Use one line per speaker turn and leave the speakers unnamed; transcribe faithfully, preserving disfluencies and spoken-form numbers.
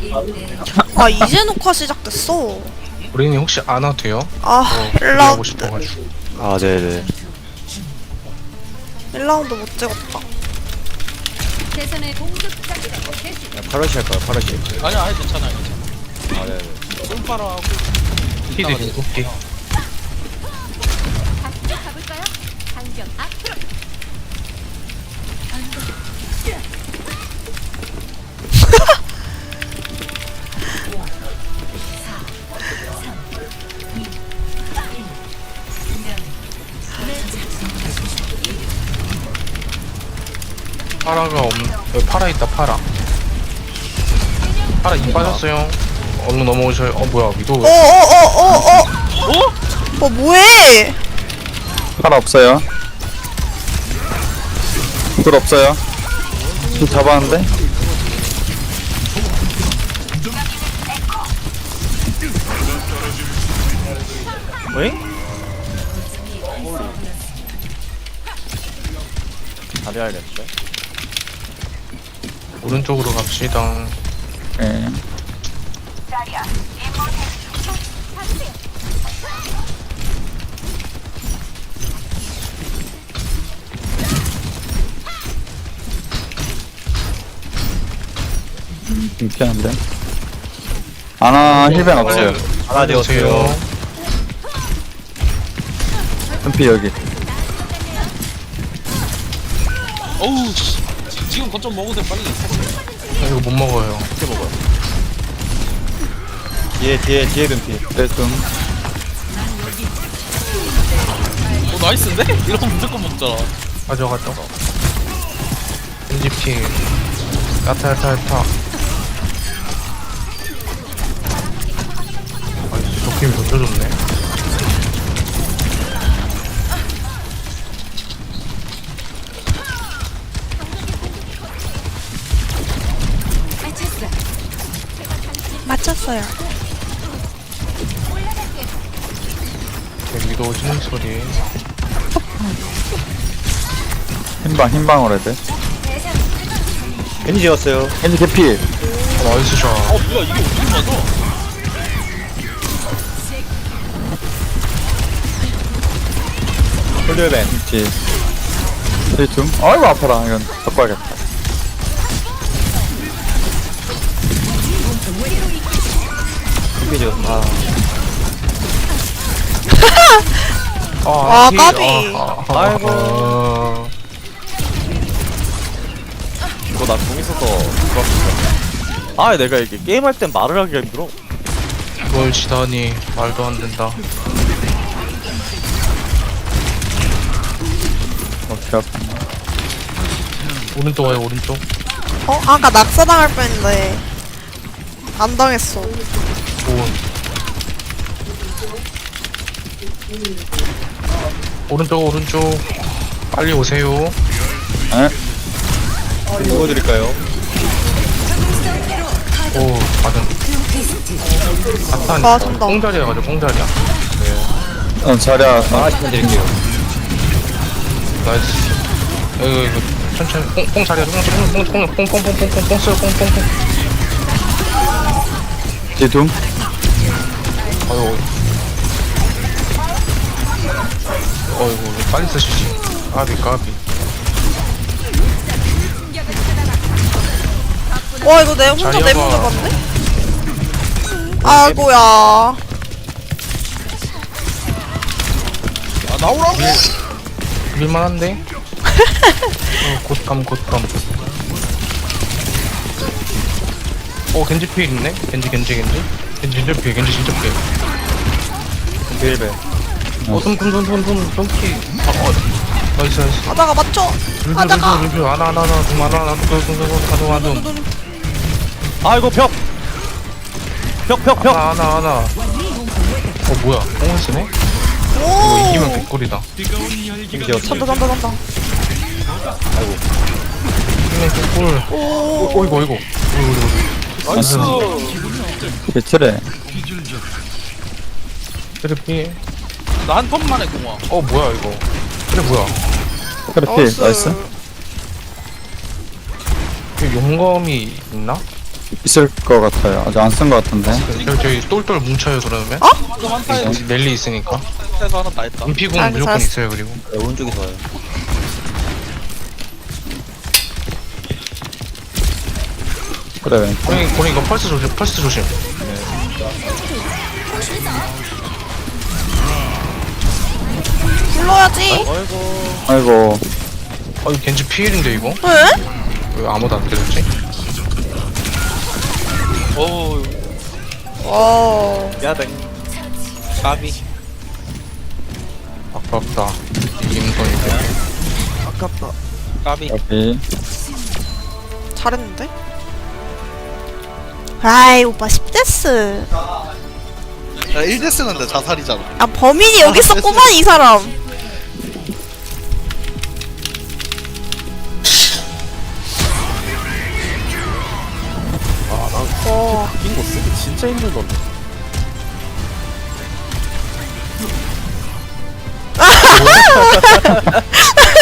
아 이제 녹화 시작됐어.
우리는 혹시 안 와도 돼요?
아
어,
일
하고
라운드
싶어가지고.
아, 네네.
일 라운드 못 찍었다.
대선의 공격자들의 개시
파라시 할까요, 파라시?
아니야, 아니 괜찮아요, 괜찮아.
아, 네네.
똥파라하고
피드 일곱 개.
다시 가볼까요? 당겨 앞으로.
파라가 없, 여기 파라 있다, 파라. 파라 이 빠졌어요. 얼른 넘어오셔요. 어, 뭐야, 위도.
어어어어어
어?
어 뭐해?
파라 없어요. 불 없어요. 불 잡았는데? 왜? 잘해야겠는데?
오른쪽으로 갑시다.
예. 불편한데? 아나 힐벤 없어요.
하나 되었어요.
흠피 여기.
어우, 씨. 지금 거점 먹어도 돼, 빨리.
이거 못 먹어요.
어떻게 먹어요? 뒤에 뒤에 뒤에 흠피. 네 좀.
어, 나이스인데? 이러면 무조건 먹잖아.
가져가죠. 엔지피. 야타, 야타, 야타. 아이, 도끼를 던져줬네.
맞췄어요.
제 위도 치는 소리.
흰방 흰방으로 해야 돼. 겐지 지었어요. 겐지 개피.
어, 나이스 샷.
어, 뭐야, 이게 어떻게 맞아?
홀드벤. 뒤. 뒤 좀. 아이고 아파라. 이건 바꿔야겠다. 흠피 지었어. 아.
아,
피-
까비.
아, 아,
아이고.
아,
이거 나 공 있어서 좋았어. 아 내가 이게 게임할 땐 말을 하기가 힘들어.
그걸 지다니 말도 안 된다.
어떻게 아프냐.
오른쪽 와요, 오른쪽.
어 아까 낙사당할 뻔했는데 안 당했어.
오. 오른쪽, 오른쪽. 빨리 오세요.
에? 누워드릴까요?
오, 받은.
아,
아탄.
준다.
꽁자리야 가지고 꽁자리야.
어 자리야 하나씩만 드릴게요.
나이스. 이거 이거 천천히 꽁, 꽁 자리야. 꽁꽁꽁꽁꽁꽁꽁꽁꽁꽁 써요. 꽁꽁꽁.
뒤둠.
아유. 어이구, 빨리 쓰시지. 까비, 까비.
와 이거 내 혼자
자리야,
내몸
봐.
잡았네? 아이고야.
아, 나오라고!
밀만한데? 어, 곧감, 곧감. 어, 겐지 피일 있네? 겐지, 겐지, 겐지. 겐지 진짜 피해, 겐지 진짜 피해.
힐벤.
어, 손, 손, 손, 손, 손, 손 피. 아, 어, 나이스, 나이스.
아자가 맞춰.
룰루,
아자가.
룰루, 룰루. 하나, 하나, 하나, 두, 하나, 하나, 두, 두, 두, 두, 가동, 가동.
아이고 벽. 벽 벽 벽.
하나, 하나, 하나. 어, 뭐야. 뽕을 쓰네? 이거
오.
이기면 개꿀이다.
이겨.
잔다 잔다 잔다.
이기면 개꿀.
오.
어, 이거, 이거. 이거, 이거.
나이스!
개철해.
그래, 피.
나 한 턴만에 공화.
어, 뭐야, 이거. 그래, 뭐야.
그래 피. 나이스.
그 용검이 있나?
있을 것 같아요. 아직 안 쓴 것 같은데.
여기 저기 똘똘 뭉쳐요 그러면.
이거 한타에
여기 넬리 있으니까.
한타에서 하나 다 했다.
은피궁
아,
무조건
잘했어.
있어요 그리고.
네, 오른쪽이 좋아요.
그래, 왼쪽.
고니 고니 이거 펄스 조심 펄스 조심.
불러야지.
아이고.
아이고,
아 이거 겐지 피일인데 이거?
왜?
왜 아무도 안 때렸지?
어우,
어.
야댕.
까비.
아깝다. 임선인데.
아깝다.
까비.
여기.
잘했는데? 아이 오빠 십 데스.
야, 일 대 쓰는데 자살이잖아.
아 범인이 여기 있었구만 이 사람.
아, 나
어.
바뀐 거 쓰기 진짜 힘들던데.